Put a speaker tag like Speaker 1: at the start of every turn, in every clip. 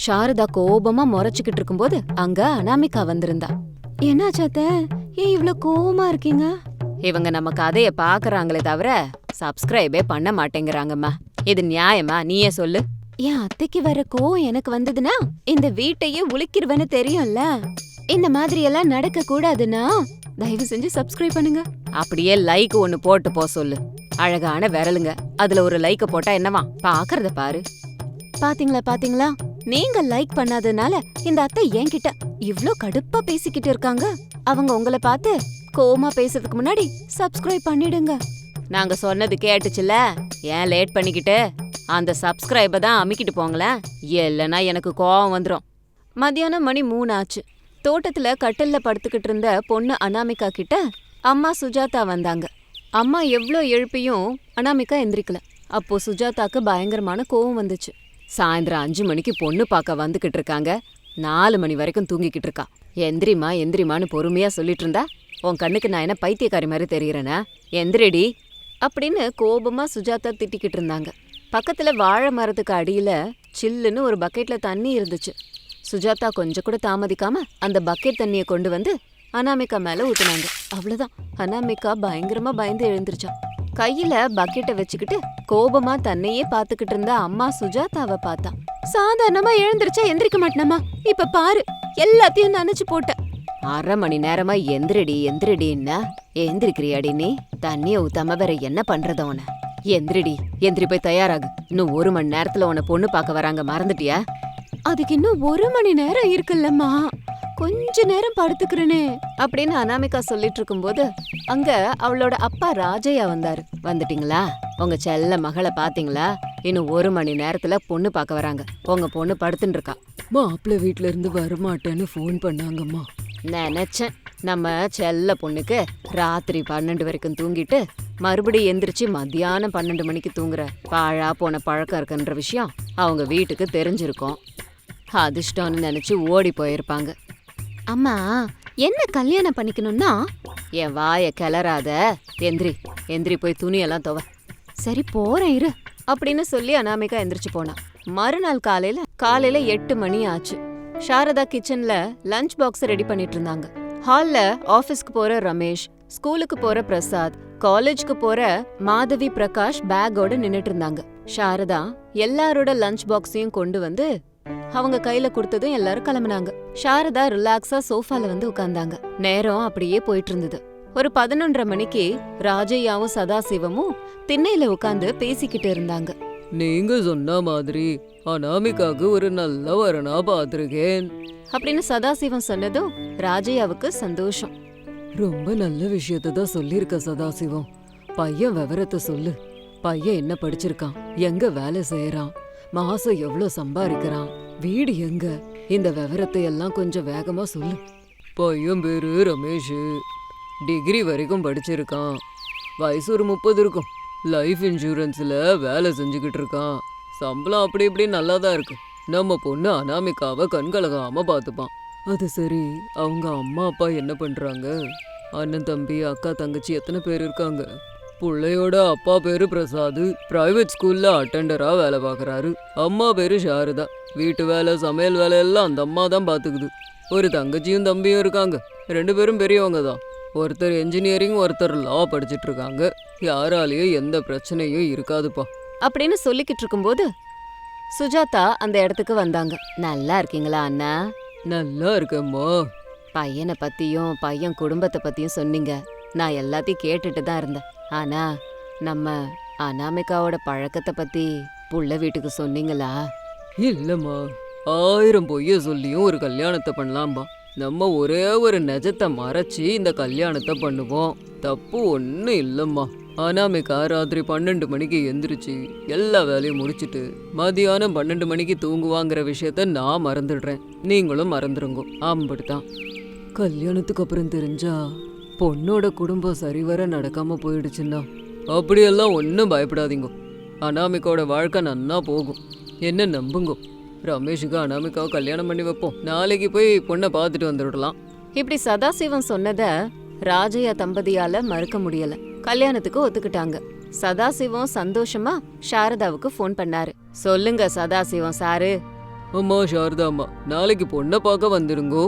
Speaker 1: சாரதா கோபமா முறைச்சுக்கிட்டு இருக்கும்போது அங்க அனாமிகா வந்திருந்தா. என்னாச்சாத்த, ஏன் இவ்ளோ கோவமா இருக்கீங்க? இவங்க நம்ம கதைய பாக்குறாங்களே தவிர சப்ஸ்கிரைபே பண்ண மாட்டேங்கிறாங்கம்மா. இது நியாயமா? நீயே சொல்லு. என் அத்தைக்கு வர கோவம் எனக்கு வந்ததுன்னா இந்த வீட்டையே உளிக்கிருவேன்னு தெரியும்ல. இந்த மாதிரி எல்லாம் நடக்க கூடாதுன்னா தயவு செஞ்சு சப்ஸ்கிரைப் பண்ணுங்க. அப்படியே லைக் ஒன்னு போட்டு போ சொல்லு. அழகான விரலுங்க, அதுல ஒரு லைக்க போட்டா என்னவா? பாக்குறத பாரு. பாத்தீங்களா, நீங்க லைக் பண்ணாதனால இந்த அத்தை என்கிட்ட இவ்ளோ கடுப்பா பேசிக்கிட்டு இருக்காங்க. அவங்க உங்களை பார்த்து கோவமா பேசுறதுக்கு முன்னாடி சப்ஸ்கிரைப் பண்ணிடுங்க. நாங்க சொன்னது கேட்டுச்சுல, ஏன் லேட் பண்ணிக்கிட்டு அந்த சப்ஸ்கிரைப தான் அமிக்கிட்டு போங்களேன், இல்லைன்னா எனக்கு கோவம் வந்துடும். மத்தியானம் மணி 3 ஆச்சு. தோட்டத்துல கட்டில்ல படுத்துக்கிட்டு இருந்த பொண்ணு அனாமிகா கிட்ட அம்மா சுஜாதா வந்தாங்க. அம்மா எவ்ளோ எழுப்பியும் அனாமிகா எந்திரிக்கல. அப்போ சுஜாதாக்கு பயங்கரமான கோவம் வந்துச்சு. சாயந்தரம் 5 மணிக்கு பொண்ணு பார்க்க வந்துகிட்டு இருக்காங்க, 4 மணி வரைக்கும் தூங்கிக்கிட்டு இருக்கா. எந்திரிமான்னு பொறுமையா சொல்லிட்டு இருந்தா, உன் கண்ணுக்கு நான் என்ன பைத்தியக்காரி மாதிரி தெரியுறேனா? எந்திரிடி அப்படின்னு கோபமா சுஜாதா திட்டிக்கிட்டு இருந்தாங்க. பக்கத்துல வாழை மரத்துக்கு அடியில சில்லுன்னு ஒரு பக்கெட்ல தண்ணி இருந்துச்சு. சுஜாதா கொஞ்சம் கூட தாமதிக்காம அந்த பக்கெட் தண்ணியை கொண்டு வந்து அனாமிகா மேல ஊத்துனாங்க. அவ்வளவுதான், அனாமிகா பயங்கரமா பயந்து எழுந்திருச்சா. கையில பக்கெட்டை வச்சுக்கிட்டு கோபமா தன்னையே பாத்துக்கிட்டு இருந்த அம்மா சுஜாதாவை பார்த்தா. சாதாரணமா எழுந்திருச்சா எந்திரிக்க மாட்டேனமா, இப்ப பாரு எல்லாத்தையும் நினைச்சு போட்ட. 1/2 மணி நேரமா எந்திரிடின்னா எந்திரிக்கிறியாடி நீ? தண்ணிய ஊத்தாம வேற என்ன பண்றத உன? எந்திரி போய் தயாராகு. இன்னும் 1 மணி நேரத்துல உன பொண்ணு பார்க்க வராங்க, மறந்துட்டியா? அதுக்கு இன்னும் 1 மணி நேரம் இருக்குல்லம்மா, கொஞ்ச நேரம் படுத்துக்கிறேனே அப்படின்னு அனாமிகா சொல்லிட்டு இருக்கும்போது அங்க அவளோட அப்பா ராஜையா வந்தாரு. வந்துட்டீங்களா? உங்க செல்ல மகளை பாத்தீங்களா? இன்னும் 1 மணி நேரத்துல பொண்ணு பார்க்க வராங்க. உங்க பொண்ணு படுத்துட்டு இருக்கா.
Speaker 2: மாப்பிள்ளை வீட்ல இருந்து வரமாட்டேன்னு ஃபோன் பண்ணாங்கம்மா.
Speaker 1: நினைச்சேன், நம்ம செல்ல பொண்ணுக்கு ராத்திரி 12 வரைக்கும் தூங்கிட்டு மறுபடியும் எந்திரிச்சு மத்தியானம் 12 மணிக்கு தூங்குற பாழா போன பழக்கம் இருக்குன்ற விஷயம் அவங்க வீட்டுக்கு தெரிஞ்சிருக்கும். அதிர்ஷ்டம்னு நினைச்சு ஓடி போயிருப்பாங்க. அம்மா, என்ன கல்யாணம் பண்ணிக்கணும்னா? என் வாய கிளறாத, எந்திரி போய் துணியெல்லாம் துவ. சரி போறேன் இரு அப்படின்னு சொல்லி அனாமிகா எந்திரிச்சு போனா. மறுநாள் காலையில 8 மணி ஆச்சு. சாரதா கிச்சன்ல லஞ்ச் பாக்ஸ் ரெடி பண்ணிட்டு இருந்தாங்க. ஹால்ல ஆபீஸ்க்கு போற ரமேஷ், ஸ்கூலுக்கு போற பிரசாத், காலேஜ்க்கு போற மாதவி பிரகாஷ் பேக்கோட நின்னுட்டு இருந்தாங்க. சாரதா எல்லாரோட லஞ்ச் பாக்ஸையும் கொண்டு வந்து அவங்க கையில கொடுத்ததும் எல்லாரும் கிளம்புனாங்க. சாரதா ரிலாக்ஸா சோஃபால வந்து உட்கார்ந்தாங்க. நேரம் அப்படியே போயிட்டு இருந்தது. ஒரு 11:30 மணிக்கு ராஜையாவும் சதாசிவமும் திண்ணையில உட்கார்ந்து பேசிக்கிட்டு இருந்தாங்க.
Speaker 2: நீங்க சொன்ன மாதிரி அனாமிகாக்கு ஒரு நல்ல வரனா பாத்திருக்கேன்
Speaker 1: அப்படின்னு சதாசிவம் சொன்னதும் ராஜையாவுக்கு சந்தோஷம்.
Speaker 2: ரொம்ப நல்ல விஷயத்த தான் சொல்லிருக்க சதாசிவம். பையன் விவரத்தை சொல்லு. பையன் என்ன படிச்சிருக்கான், எங்க வேலை செய்யறான், மாசம் எவ்வளவு சம்பாதிக்கிறான், வீடு எங்க, இந்த விவரத்தை எல்லாம் கொஞ்சம் வேகமா சொல்லு. பையன் பேரு ரமேஷ், டிகிரி வரைக்கும் படிச்சிருக்கான், வயசு ஒரு 30 இருக்கும், லைஃப் இன்சூரன்ஸ்ல வேலை செஞ்சுக்கிட்டு இருக்கான், சம்பளம் அப்படி இப்படி நல்லாதான் இருக்கு. நம்ம பொண்ணு அனாமிகாவை கண்கலகாம பார்த்துப்பான். அது சரி, அவங்க அம்மா அப்பா என்ன பண்றாங்க? அண்ணன் தம்பி அக்கா தங்கச்சி எத்தனை பேர் இருக்காங்க? பிள்ளையோட அப்பா பேரு பிரசாத், பிரைவேட் ஸ்கூல்ல அட்டெண்டரா வேலை பார்க்கறாரு. அம்மா பேரு சாரதா, வீட்டு வேலை சமையல் வேலை எல்லாம் அந்த அம்மா தான் பாத்துக்குது. ஒரு தங்கச்சியும் தம்பியும் இருக்காங்க, 2 பேரும் பெரியவங்க தான். ஒருத்தர் என்ஜினியரிங், ஒருத்தர் லா படிச்சிட்டு இருக்காங்க. யாராலேயும் எந்த பிரச்சனையும் இருக்காதுப்பா
Speaker 1: அப்படின்னு சொல்லிக்கிட்டு இருக்கும்போது சுஜாதா அந்த இடத்துக்கு வந்தாங்க. நல்லா இருக்கீங்களா அண்ணா?
Speaker 2: நல்லா இருக்கேம்மா.
Speaker 1: பையனை பத்தியும் பையன் குடும்பத்தை பத்தியும் சொன்னீங்க. நான் எல்லாத்தையும் கேட்டுட்டு தான் இருந்தேன். ஆனா நம்ம அனாமிகாவோட பழக்கத்தை பத்தி புள்ள வீட்டுக்கு சொன்னீங்களா?
Speaker 2: இல்லம்மா, 1000 பொய்ய சொல்லியும் ஒரு கல்யாணத்தை பண்ணலாம்பா. நம்ம ஒரே ஒரு நிஜத்தை மறைச்சி இந்த கல்யாணத்தை பண்ணுவோம். தப்பு ஒன்றும் இல்லைம்மா. அனாமிகா ராத்திரி 12 மணிக்கு எந்திரிச்சு எல்லா வேலையும் முடிச்சுட்டு மதியானம் 12 மணிக்கு தூங்குவாங்கிற விஷயத்த நான் மறந்துடுறேன், நீங்களும் மறந்துருங்க. அப்படித்தான். கல்யாணத்துக்கு அப்புறம் தெரிஞ்சா பொண்ணோட குடும்பம் சரிவர நடக்காம போயிடுச்சுன்னா அப்படியெல்லாம் ஒன்றும் பயப்படாதீங்க. அனாமிகாவோட வாழ்க்கை நன்னா போகும், என்ன நம்புங்க. ரமேஷுக்கு அனாமிகாவை கல்யாணம் பண்ணி வைப்போம். நாளைக்கு போய் பொண்ணை பார்த்துட்டு வந்துடலாம்.
Speaker 1: இப்படி சதாசிவம் சொன்னத ராஜையா தம்பதியால மறுக்க முடியல. கல்யாணத்துக்கு ஒத்துக்கிட்டாங்க. சதாசிவம் சந்தோஷமா சாரதாவுக்கு ஃபோன் பண்ணாரு. சொல்லுங்க சதாசிவம் சாரு,
Speaker 2: அம்மா சாரதா அம்மா, நாளைக்கு பொண்ணை பார்க்க வந்துருங்கோ.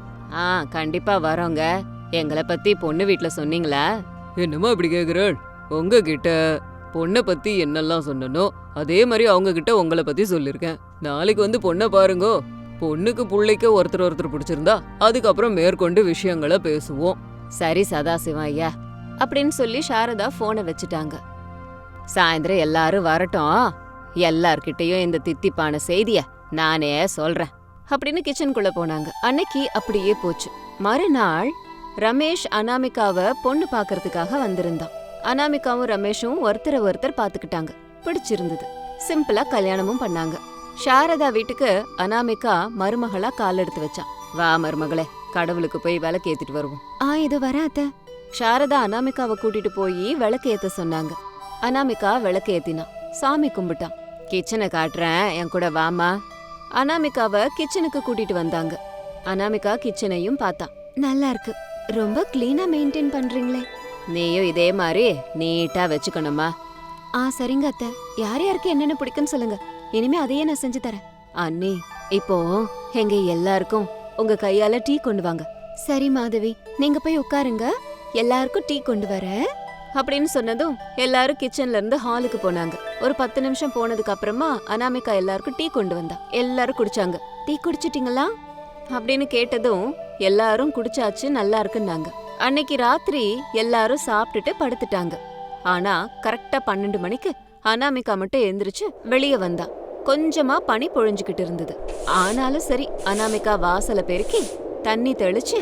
Speaker 1: ஆ கண்டிப்பா வரோங்க. எங்களை பத்தி பொண்ணு வீட்ல சொன்னீங்களா?
Speaker 2: என்னம்மா இப்படி கேக்குறாள்? உங்ககிட்ட பொண்ணை பத்தி என்னெல்லாம் சொன்னனோ அதே மாதிரி அவங்க கிட்ட உங்களை பத்தி சொல்லிருக்கேன். நாளைக்கு வந்து பொண்ணை பாருங்கோ. பொண்ணுக்கு புள்ளைக்கு ஒருத்தர் பிடிச்சிருந்தா அதுக்கப்புறம் மேற்கொண்டு விஷயங்களை பேசுவோம்.
Speaker 1: சரி சதாசிவம் ஐயா அப்படின்னு சொல்லி சாரதா போனை வச்சுட்டாங்க. சாயந்தரம் எல்லாரும் வரட்டும், எல்லார்கிட்டயும் இந்த தித்திப்பான செய்திய நானே சொல்றேன் அப்படின்னு கிச்சனுக்குள்ள போனாங்க. அன்னைக்கு அப்படியே போச்சு. மறுநாள் ரமேஷ் அனாமிகாவை பொண்ணு பாக்குறதுக்காக வந்திருந்தான். அனாமிகாவும் ரமேஷும் ஒருத்தர் பாத்துக்கிட்டாங்க. பிடிச்சிருந்தது. சிம்பிளா கல்யாணமும் பண்ணாங்க. சாரதா வீட்டுக்கு அனாமிகா மருமகளா கால் எடுத்து வச்சான். வா மருமகளே, கடவுளுக்கு போய் விளக்கு ஏத்திட்டு வருவோம். இது வராத. சாரதா அனாமிகாவை கூட்டிட்டு போய் விளக்கு ஏத்த சொன்னாங்க. அனாமிகா விளக்கு ஏத்தினா, சாமி கும்பிட்டான். கிச்சனை காட்டுறேன், என் கூட வாமா. அனாமிகாவை கிச்சனுக்கு கூட்டிட்டு வந்தாங்க. அனாமிகா கிச்சனையும் பார்த்தா. நல்லா இருக்கு, ரொம்ப கிளீனா மெயின்டைன் பண்றீங்களே. நீயும் இதே மாதிரி நீட்டா வச்சுக்கணுமா? சரிங்க அத்தை. யார் யாருக்கு என்னென்ன பிடிக்குன்னு சொல்லுங்க, இனிமே அதையே நான் செஞ்சு தரேன். அண்ணி, இப்போ எங்க எல்லாருக்கும் உங்க கையால டீ கொண்டு வாங்க. சரி மாதவி, நீங்க போய் உட்காருங்க, எல்லாருக்கும் டீ கொண்டு வர அப்படின்னு சொன்னதும் எல்லாரும் கிச்சன்ல இருந்து ஹாலுக்கு போனாங்க. ஒரு 10 நிமிஷம் போனதுக்கு அப்புறமா அனாமிகா எல்லாருக்கும் டீ கொண்டு வந்தா. எல்லாரும் குடிச்சாங்க. டீ குடிச்சிட்டீங்களா அப்படின்னு கேட்டதும் எல்லாரும் குடிச்சாச்சு, நல்லா இருக்குன்னாங்க. அன்னைக்கு ராத்திரி எல்லாரும் சாப்பிட்டுட்டு படுத்துட்டாங்க. ஆனா கரெக்டா 12 மணிக்கு அனாமிகா மட்டும் எந்திரிச்சு வெளியே வந்தா. கொஞ்சமா பனி பொழிஞ்சுக்கிட்டு இருந்தது. ஆனாலும் சரி, அனாமிகா வாசல பெருக்கி தண்ணி தெளிச்சு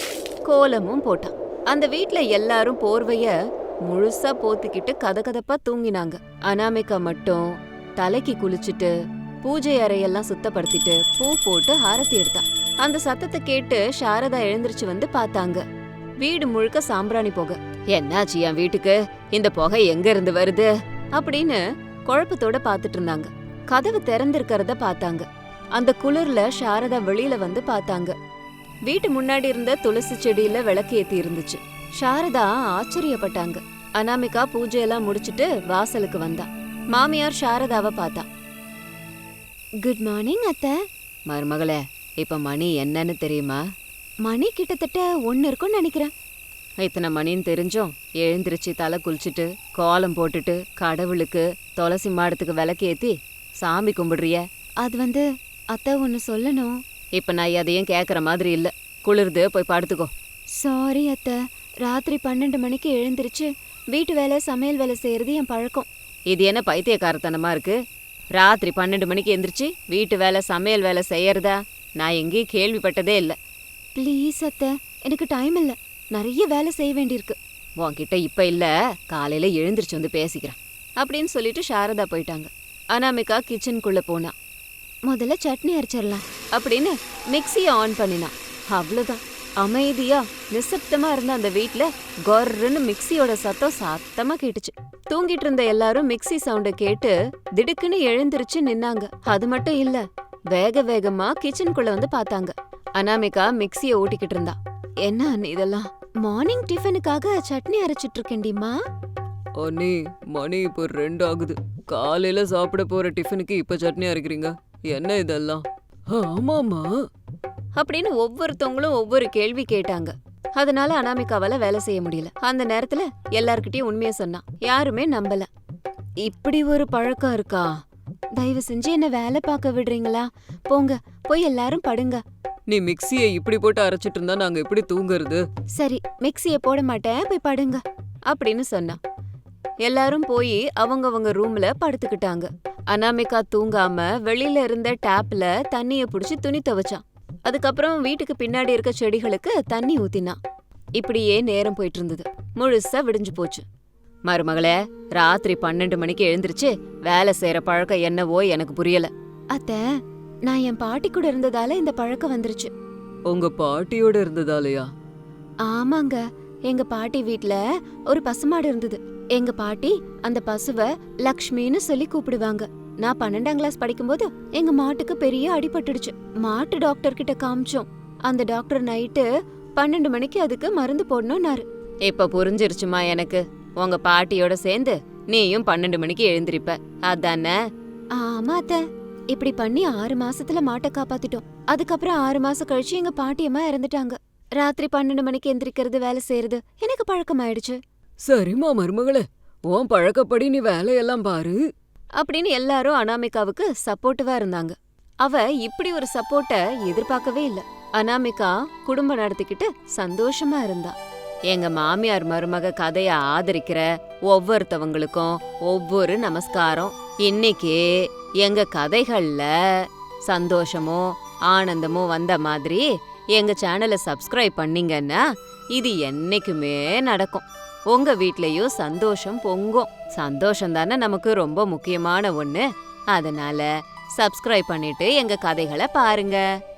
Speaker 1: கோலமும் போட்டான். அந்த வீட்ல எல்லாரும் போர்வைய முழுசா போத்திக்கிட்டு கதகதப்பா தூங்கினாங்க. அனாமிகா மட்டும் தலைக்கு குளிச்சுட்டு பூஜை அறையெல்லாம் சுத்தப்படுத்திட்டு பூ போட்டு ஆரத்தி எடுத்தான். அந்த சத்தத்தை கேட்டு சாரதா எழுந்திருச்சு வந்து பார்த்தாங்க. வீடு முழுக்க சாம்பிராணி புகை. என்னாச்சு என் வீட்டுக்கு, இந்த புகை எங்க இருந்து வருது அப்படின்னு குழப்பத்தோட பாத்துட்டு இருந்தாங்க. கதவு திறந்திருக்கிறத பார்த்தாங்க. அந்த குளிர்ல சாரதா வெளியில வந்து பார்த்தாங்க. வீட்டு முன்னாடி இருந்த துளசி செடியில விளக்கு ஏத்தி இருந்துச்சு. சாரதா ஆச்சரியப்பட்டாங்க. அனாமிகா பூஜையெல்லாம் முடிச்சிட்டு வாசலுக்கு வந்தா. மாமியார் சாரதாவை பார்த்தா. குட் மார்னிங் அத்தை. மருமகளே, இப்ப மணி என்னன்னு தெரியுமா? மணி கிட்டத்தட்ட 1 இருக்கும்னு நினைக்கிறேன். இத்தனை மணின்னு தெரிஞ்சும் எழுந்திருச்சு தலை குளிச்சுட்டு கோலம் போட்டுட்டு கடவுளுக்கு துளசி மாடத்துக்கு விளக்கு ஏத்தி சாமி கும்பிடுறிய. அது அத்தை ஒன்னு சொல்லணும். இப்ப நான் எதையும் கேக்குற மாதிரி இல்ல, குளிர்து, போய் படுத்துக்கோ. சாரி அத்தை, ராத்திரி 12 மணிக்கு எழுந்திருச்சு வீட்டு வேலை சமையல் வேலை செய்யறது என் பழக்கம். இது என்ன பைத்தியக்காரத்தனமா இருக்கு? ராத்திரி 12 மணிக்கு எந்திரிச்சு வீட்டு வேலை சமையல் வேலை செய்யறதா நான் எங்கேயும் கேள்விப்பட்டதே இல்ல. ப்ளீஸ் அத்தை, எனக்கு டைம் இல்ல, நிறைய வேலை செய்ய வேண்டியிருக்கு. உன்கிட்ட இப்ப இல்ல, காலையில எழுந்திரிச்சு வந்து பேசிக்கிறேன் அப்படின்னு சொல்லிட்டு சாரதா போயிட்டாங்க. அனாமிகா கிச்சனுக்குள்ள போனா. முதல்ல சட்னி அரைச்சிடலாம் அப்படின்னு மிக்சியை ஆன் பண்ணினா. அவ்வளவுதான், அமைதியா நிசப்தமா இருந்த அந்த வீட்ல கொர்ன்னு மிக்சியோட சத்தமா கேட்டுச்சு. தூங்கிட்டு இருந்த எல்லாரும் மிக்சி சவுண்ட கேட்டு திடுக்குன்னு எழுந்திருச்சு நின்னாங்க. அது மட்டும் இல்ல, வேக வேகமா கிச்சனுக்குள்ள வந்து பார்த்தாங்க. அனாமிகா மிக்சியை ஓட்டிக்கிட்டு இருந்தா. என்ன அண்ணி இதெல்லாம்? மார்னிங் டிஃபனுக்காக சட்னி அரைச்சிட்டு இருக்கேன்டிமா.
Speaker 2: அண்ணி, மணி இப்போ 2 ஆகுது. காலையில சாப்பிட போற டிஃபனுக்கு இப்ப சட்னி அரைக்கிறீங்க, என்ன இதெல்லாம்? ஆமாமா
Speaker 1: அப்படின்னு ஒவ்வொருத்தவங்களும் ஒவ்வொரு கேள்வி கேட்டாங்க. அதனால அனாமிகாவால வேலை செய்ய முடியல. அந்த நேரத்துல எல்லார்கிட்டயும் உண்மையை சொன்னா. யாருமே நம்பல. இப்படி ஒரு பழக்கம் இருக்கா? தயவு செஞ்சு என்ன வேலை பார்க்க விடுறீங்களா? போங்க, போய் எல்லாரும் படுங்க.
Speaker 2: நீ மிக்சியை இப்படி போட்டு அரைச்சிட்டு இருந்தா நாங்க எப்படி தூங்குறது?
Speaker 1: சரி, மிக்சிய போட மாட்டேன், போய் படுங்க அப்படின்னு சொன்னா. எல்லாரும் போய் அவங்கவங்க ரூம்ல படுத்துக்கிட்டாங்க. அனாமிகா தூங்காம வெளியில இருந்த டேப்ல தண்ணிய புடிச்சு துணி துவைச்சான். அதுக்கப்புறம் வீட்டுக்கு பின்னாடி இருக்க செடிகளுக்கு தண்ணி ஊத்தினான். இப்படியே நேரம் போயிட்டு இருந்தது. முழுசா விடிஞ்சு போச்சு. மருமகளே, ராத்திரி 12 மணிக்கு எழுந்திருச்சு வேலை செய்யற பழக்கம் என்னவோ எனக்கு புரியல. அத்த, நான் என் பாட்டி கூட இருந்ததால இந்த பழக்கம் வந்துருச்சு.
Speaker 2: உங்க பாட்டியோட இருந்ததாலயா?
Speaker 1: ஆமாங்க, எங்க பாட்டி வீட்ல ஒரு பசுமாடு இருந்தது. எங்க பாட்டி அந்த பசுவ லக்ஷ்மின்னு சொல்லி கூப்பிடுவாங்க. நான் 12ஆம் கிளாஸ் படிக்கும்போது எங்க மாட்டுக்கு பெரிய அடிபட்டுடுச்சு. மாட்டு டாக்டர் கிட்ட காமிச்சோம். அந்த டாக்டர் நைட்டு 12 மணிக்கு அதுக்கு மருந்து போடணும்னாரு. இப்ப புரிஞ்சிருச்சுமா எனக்கு. உங்க பாட்டியோட சேர்ந்து நீயும் 12 மணிக்கு எழுந்திருப்ப, அதானே? ஆமா அத்த. இப்படி பண்ணி 6 மாசத்துல மாட்டை காப்பாத்திட்டோம். அதுக்கப்புறம் 6 மாசம் கழிச்சு எங்க பாட்டியம்மா இறந்துட்டாங்க. ராத்திரி 12 மணிக்கு எந்திரிக்கிறது, வேலை செய்யறது எனக்கு பழக்கமாயிடுச்சு
Speaker 2: சரிம்மா மருமகளே, உன் பழக்கப்படி நீ வேலையெல்லாம் பாரு.
Speaker 1: அப்படின்னு எல்லாரும் அனாமிகாவுக்கு சப்போர்ட்டிவா இருந்தாங்க. அவ இப்படி ஒரு சப்போர்ட்ட எதிர்பார்க்கவே இல்ல. அனாமிகா குடும்பம் நடத்திக்கிட்டு சந்தோஷமா இருந்தா. எங்க மாமியார் மருமக கதைய ஆதரிக்கிற ஒவ்வொருத்தவங்களுக்கும் ஒவ்வொரு நமஸ்காரம். இன்னைக்கு எங்க கதைகள்ல சந்தோஷமும் ஆனந்தமும் வந்த மாதிரி எங்க சேனலை சப்ஸ்கிரைப் பண்ணீங்கன்னா இது என்னைக்குமே நடக்கும். உங்க வீட்லயும் சந்தோஷம் பொங்கும். சந்தோஷம் தானே நமக்கு ரொம்ப முக்கியமான ஒண்ணு. அதனால சப்ஸ்கிரைப் பண்ணிட்டு எங்க கதைகளை பாருங்க.